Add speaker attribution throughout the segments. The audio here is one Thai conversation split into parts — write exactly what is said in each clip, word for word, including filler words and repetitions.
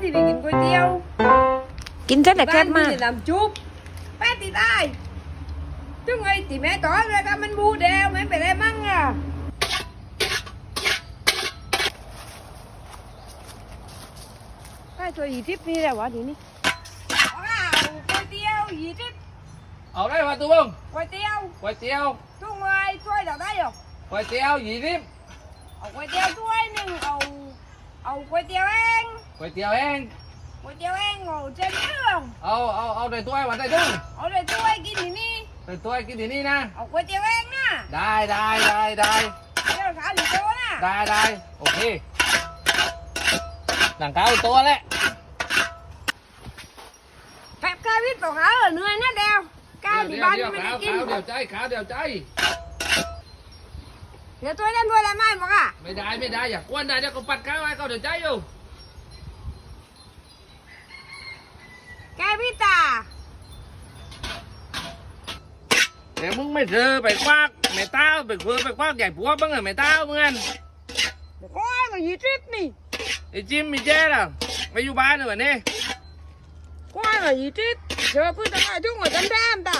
Speaker 1: ได้กินก๋วยเตี๋ยว
Speaker 2: กินเสร็จแล้วแคบมาก
Speaker 1: บ้นพี่น้ำจุ๊บแป๊ดตีได้จุ๊งไอ้ตีแม่ต่อเลยก็มันบูเดียวไม่เป็นไรมั่งอ่ะได้ตัวยี่สิบนี่แหละวะทีนี้ว้าวก๋วยเตี๋ยวยี่สิบ
Speaker 3: เอาได้ป่ะตัวบ้ง
Speaker 1: ก๋วยเตี๋ยว
Speaker 3: ก๋วยเตี๋ยว
Speaker 1: จุ๊งไอ้ช่วยเราได้หรอ
Speaker 3: ก๋วยเตี๋ยวยี่สิบ
Speaker 1: เอาก๋วยเตี๋ยวถ้วยหนึ่งเอาเอาก๋วยเตี๋ยวเอง
Speaker 3: ก๋วยเตี๋ยวเอง
Speaker 1: ก๋วยเตี๋ยวเองเอาเส้นเรื่อง
Speaker 3: เอาเอาเอาได้ถ้วยวันได้ทุ่ง
Speaker 1: เอาเลยถ้วยกินที่นี่
Speaker 3: ได้ถ้วยกินที่นี่นะ
Speaker 1: เอาก๋วยเตี๋ยวเองนะ
Speaker 3: ได้ได้ได้ได้
Speaker 1: เดี๋ยวขาหรือโตนะ
Speaker 3: ได้ได้โอเคหนังขาวตัวแหละ
Speaker 1: แป๊บกาวิทย์บอกเขาเหนื่อยนะเดียวกาที่บ้านไม่ได้กิน
Speaker 3: ขาวเดี๋ยวใจขาวเดี๋ยวใจ
Speaker 1: เดี๋ยวถ้วยนั้นถ้วยละไม่บอกอ่ะ
Speaker 3: ไม่ได้ไม่ได้อย่ากวนได้เดี๋ยวก็ปัดข้าวให้เขาเดี๋ยวใจอยู่
Speaker 1: แกพี่ตา
Speaker 3: เดี๋ยวมึงไม่เจอไปควักไม่เต้าไปคุยไปควักใหญ่ผัวบ้างเหรอไม่เต้ามึงงั้น
Speaker 1: โอ้ยก็ยี่สิบนี่
Speaker 3: ไอ้จิมมีเจ๊ล่ะไปอยู่บ้านเหรอเนี่ย
Speaker 1: โอ้ยก็ยี่สิบเจอพื้นตั้งแต่จุ่งหัวจันแดมตา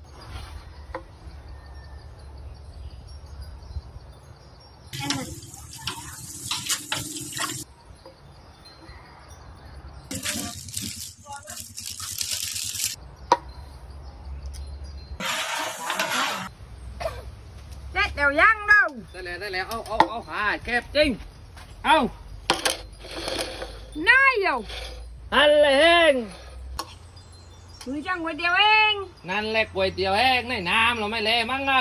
Speaker 1: เด็ดเดี๋ยวยังเรา
Speaker 3: ได้แล้วได้แล้วเอาเอาเอาหาแคบจริงเอา
Speaker 1: น้อยอยู่
Speaker 3: อันเลยเอง
Speaker 1: มือจังก๋วยเตี๋ยวเอง
Speaker 3: นั่นแหละก๋วยเตี๋ยวแห้งในน้ำเราไม่เละมั้งเอา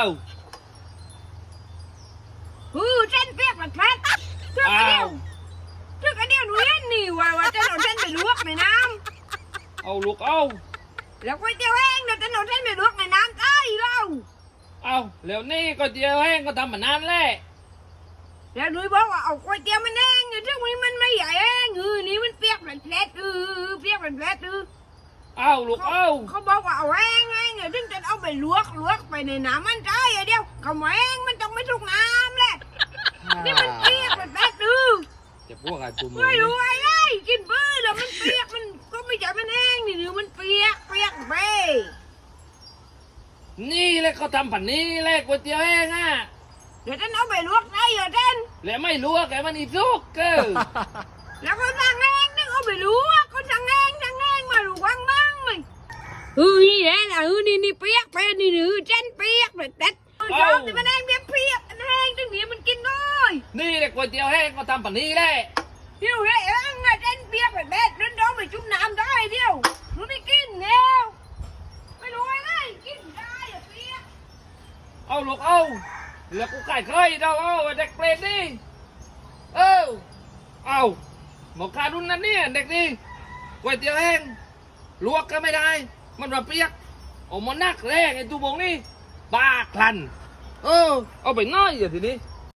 Speaker 1: ฮือเส้นเปียกแบบแพทเชื่อกระเดียวเชื่อกระเดียวหนูเล่นนี่ว่าว่าจะเอาเส้นไปลวกในน้
Speaker 3: เอาลูกเอา
Speaker 1: ำแล้วก๋วยเตี๋ยวเองเดี๋ยวจะเอาเส้นไปลวกในน้ำใต้เรา
Speaker 3: เอาแล้วนี่ก๋วยเตี๋ยวแห้งก็ทำมานานแล้ว
Speaker 1: แล้วหนูบอกว่าเอาก๋วยเตี๋ยวมันเองเดี๋ยวซึ่งวันมันไม่ใหญ่เองเออนี่มันเปียกแบบแพทเออเปียกแบบแพทเออ
Speaker 3: เอาลูกเอา
Speaker 1: เขาบอกว่าเอาแห้งเองเดี๋ยวถึงจะเอาไปลวกลวกไปในน้ำมันใต้เดียวเขาแห้งมันต้องไม่ทุกน้ำแหละนี่มันเปียกแบบแพทเออ
Speaker 3: จะพวกอะไรตัวมึง
Speaker 1: ไม่รู้อะไรกินเบื่อแล้วมันเปียกมันก็ไม่ใช่มันแห้งนี่หรือมันเปียกเปียกไป
Speaker 3: นี่แหละเขาทำผันนี้แหละก๋วยเตี๋ยวแห้งอ่ะ
Speaker 1: เดี๋ยวฉันเอาไปลวกได้เหรอเต้น
Speaker 3: แล้วไม่รู้ว่าแกมันอีสุกเกอ
Speaker 1: แล้วก็สั่งแห้งนึกเอาไปลวกก็สั่งแห้งสั่งแห้งมาดูว่างบ้างมั้ยเฮ้ยแหละเฮ้ยนี่นี่เปียกไปนี่หรือเต้นเปียกแบบเต้นชอบที่มันแห้งเปียกเปียกมันแห้งตั้งนี้มันกินได้
Speaker 3: นี่แหละก๋วยเตี๋ยวแห้งเขาทำผันนี้แหละ
Speaker 1: เดี๋ยวเฮ้ยเอ็งอะเต้นเปียกแบบแบบนั้นต้องไปจุ่มน้ำได้เดียวหนูไม่กินแล้วไม่รู้อะไรกินได้อะเปียก
Speaker 3: เอาลูกเอาแล้วกูไก่เคยเราเอาเด็กเปรตนี่เออเอาหมอคารุนนั่นเนี่ยเด็กนี่ก๋วยเตี๋ยวแห้งลวกก็ไม่ได้มันมาเปียกโอ้มันนักแรงไอ้ตูบงนี่บ้าคลันเออเอาไปน้อยอย่างทีนี้